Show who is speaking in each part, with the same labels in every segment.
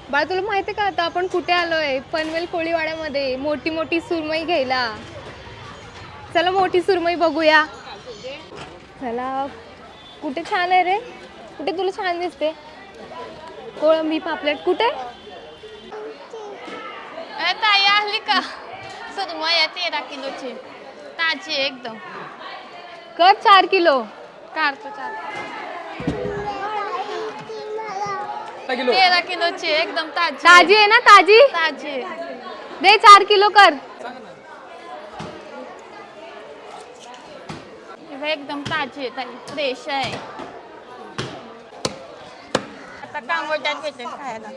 Speaker 1: बाळा तुला माहिती का आता आपण कुठे आलोय? पनवेल कोळीवाड्यामध्ये मोठी मोठी सुरमई घ्यायला. चला मोठी सुरमई बघूया. चला. कुठे छान आहे रे? कुठे तुला छान दिसते? कोळंबी पापलेट कुठे?
Speaker 2: ताई आली का? सुरमई 13 किलोची ताजी एकदम.
Speaker 1: कर 4 किलो.
Speaker 2: काढतो 4
Speaker 3: किलो
Speaker 2: 13 किलोची एकदम ताजी
Speaker 1: ताजी आहे ना ताजी?
Speaker 2: ताजी
Speaker 1: दे 4 किलो कर.
Speaker 2: एकदम ताजी आहे ताई, फ्रेश आहे. आता कांगोट्यात भेटेल खायला.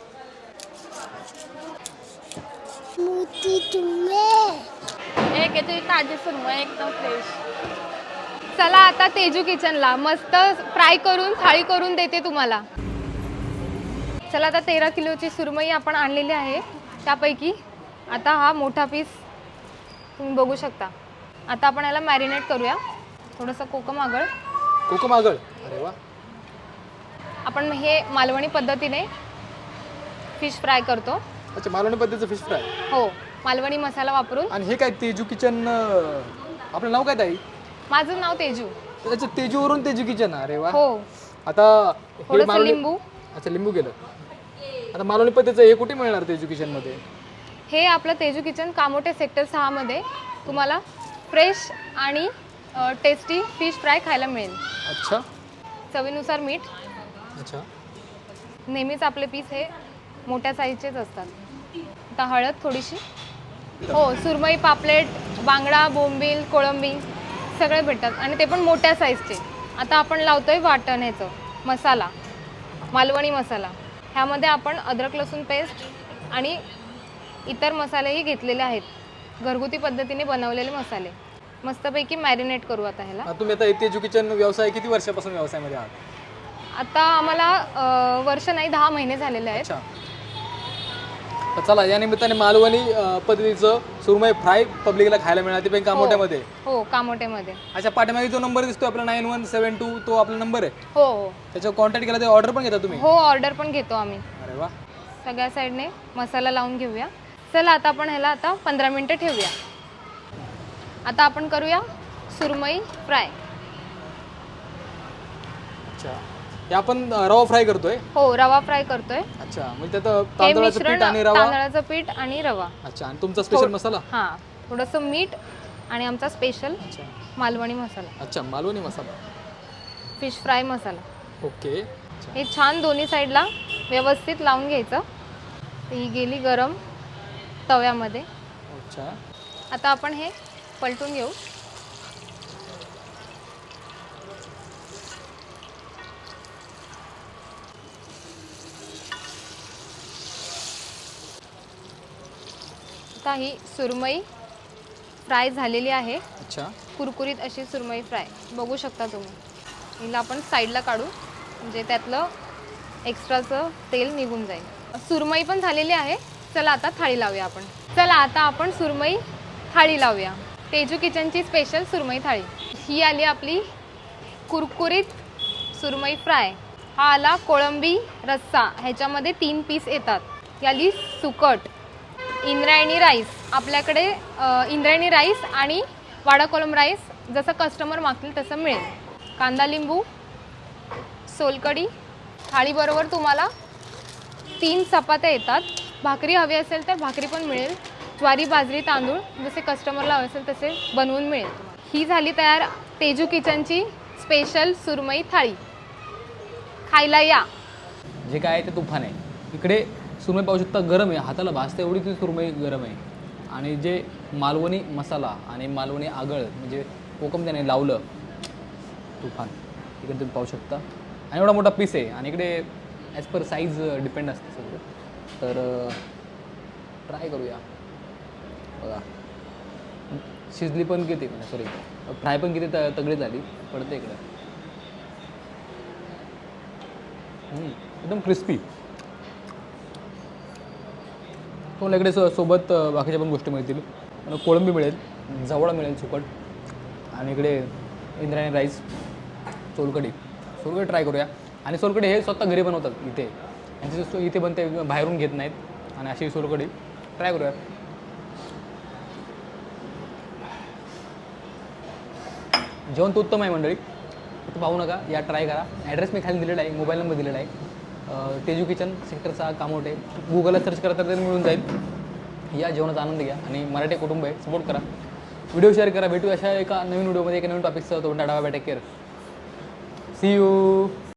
Speaker 2: एक आहे तुझी ताजी सुरमई एकदम फ्रेश.
Speaker 1: चला आता तेजू किचनला मस्त फ्राय करून थाळी करून देते तुम्हाला. चला आता 13 किलोची सुरमई आपण आणलेली आहे. त्यापैकी आता हा मोठा पीस तुम्ही बघू शकता. आता आपण याला मॅरिनेट करूया. थोडंसं कोकम आगळ.
Speaker 3: कोकम आगळ. अरे वा.
Speaker 1: आपण हे मालवणी पद्धतीने फिश फ्राय करतो.
Speaker 3: अच्छा, मालवणी पद्धतीचं फिश फ्राय.
Speaker 1: हो, मालवणी मसाला वापरून.
Speaker 3: आणि हे काय तेजू किचन, आपलं नाव काय ताई?
Speaker 1: माझं नाव तेजू.
Speaker 3: अच्छा, तेजूवरून तेजू किचन. अरे वा.
Speaker 1: हो.
Speaker 3: आता हे
Speaker 1: थोडंसं लिंबू.
Speaker 3: अच्छा, लिंबू गेलं. आता मालवणी पद्धतीचं हे कुठे मिळणार तेजू किचन मध्ये?
Speaker 1: हे आपलं तेजू किचन कामोटे सेक्टर 6 मध्ये तुम्हाला फ्रेश आणि टेस्टी फिश फ्राय खायला मिळेल.
Speaker 3: अच्छा.
Speaker 1: चवीनुसार मीठ.
Speaker 3: अच्छा.
Speaker 1: नेहमीच आपले पीस हे मोठ्या साईजचेच असतात. आता हळद थोडीशी. हो, सुरमई, पापलेट, बांगडा, बोंबील, कोळंबी सगळे भेटतात आणि ते पण मोठ्या साईजचे. आता आपण लावतोय वाटण ह्याचं मसाला, मालवणी मसाला. ह्यामध्ये आपण अद्रक लसूण पेस्ट आणि इतर मसालेही घेतलेले आहेत. घरगुती पद्धतीने बनवलेले मसाले. मस्तपैकी मॅरिनेट करू आता ह्याला.
Speaker 3: तुम्ही आता तेजू किचन व्यवसाय किती वर्षापासून व्यवसायामध्ये आहात?
Speaker 1: आता आम्हाला वर्ष नाही 10 महिने झालेले आहेत.
Speaker 3: अच्छा. तर चला, या निमित्ताने मालवणी पद्धतीचं सुरमई फ्राय पब्लिकला खायला मिळालं, ते पण कामोट्यामध्ये.
Speaker 1: हो, कामोट्यामध्ये.
Speaker 3: अच्छा, पाठीमागे जो नंबर दिसतोय आपला 9172, तो आपला नंबर आहे.
Speaker 1: हो हो
Speaker 3: त्याच्यावर कॉन्टॅक्ट केला तर ऑर्डर पण घेता तुम्ही?
Speaker 1: हो, ऑर्डर पण घेतो आम्ही.
Speaker 3: अरे वा.
Speaker 1: सगळ्या साईडने मसाला लावून घेऊया. चला आता आपण ह्याला आता 15 मिनिटं ठेवूया. आता आपण करूया सुरमई फ्राय.
Speaker 3: अच्छा, हे आपण रवा फ्राय करतोय?
Speaker 1: हो, रवा फ्राय करतोय.
Speaker 3: अच्छा, म्हणजे त्यात तांदळाचं पीठ आणि रवा.
Speaker 1: तांदळाचं पीठ आणि रवा.
Speaker 3: अच्छा, आणि तुमचा स्पेशल मसाला?
Speaker 1: हां, थोडंसं मीठ आणि आमचा स्पेशल मालवणी मसाला.
Speaker 3: अच्छा, Malvani masala,
Speaker 1: fish fry masala.
Speaker 3: Okay.
Speaker 1: हे छान दोन्ही साईडला व्यवस्थित लावून घ्यायचं. ही गेली गरम तव्यामध्ये.
Speaker 3: अच्छा.
Speaker 1: आता आपण हे पलटून घेऊ. आता ही सुरमई फ्राय झालेली आहे.
Speaker 3: अच्छा.
Speaker 1: कुरकुरीत अशी सुरमई फ्राय बघू शकता तुम्ही. हिला आपण साईडला काढू म्हणजे त्यातलं एक्स्ट्राचं तेल निघून जाईल. सुरमई पण झालेली आहे. चला आता थाळी लावूया आपण. चला आता आपण सुरमई थाळी लावूया. तेजू किचनची स्पेशल सुरमई थाळी. ही आली आपली कुरकुरीत सुरमई फ्राय. हा आला कोळंबी रस्सा. ह्याच्यामध्ये 3 पीस येतात. ही आली सुकट. इंद्रायणी राईस. आपल्याकडे इंद्रायणी राईस आणि वाडा कोलम राईस जसं कस्टमर मागतील तसं मिळेल. कांदा लिंबू, सोलकढी. थाळीबरोबर तुम्हाला 3 चपात्या येतात. भाकरी हवी असेल तर भाकरी पण मिळेल. ज्वारी, बाजरी, तांदूळ जसे कस्टमरला हवे असेल तसे बनवून मिळेल. ही झाली तयार तेजू किचनची स्पेशल सुरमई थाळी. खायला या.
Speaker 3: जे काय आहे ते तुफान आहे. इकडे सुरमई पाहू शकता, गरम आहे, हाताला भाजते एवढी ती सुरमई गरम आहे. आणि जे मालवणी मसाला आणि मालवणी आगळ म्हणजे कोकम त्याने लावलं, तुफान. इकडे तुम्ही पाहू शकता. आणि एवढा मोठा पीस आहे. आणि इकडे ॲज पर साईज डिपेंड असते सगळं. तर ट्राय करूया. बघा, शिजली पण किती, सॉरी फ्राय पण किती तगडी झाली, पडते इकडे. एकदम क्रिस्पी. तुम्हाला इकडे सोबत बाकीच्या पण गोष्टी मिळतील. कोळंबी मिळेल, जवळा मिळेल सुकट, आणि इकडे इंद्रायणी राईस, सोलकढी. सोलकढी ट्राय करूया. आणि सोलकढी हे स्वतः घरी बनवतात इथे. यांची इथे बनते, बाहेरून घेत नाहीत. आणि अशी सोलकढी ट्राय करूयात. जेवण तर उत्तम आहे मंडळी, इथं पाहू नका, या ट्राय करा. ॲड्रेस मी खाली दिलेला आहे, मोबाईल नंबर दिलेला आहे. Teju kitchen sector 6 Kamothe. गुगलला सर्च करा तर ते मिळून जाईल. या जेवणाचा आनंद घ्या आणि मराठी कुटुंब आहे, सपोर्ट करा, व्हिडिओ शेअर करा. भेटू अशा एका नवीन व्हिडिओमध्ये एका नवीन टॉपिकसह. तो डावा टेक केअर. C you.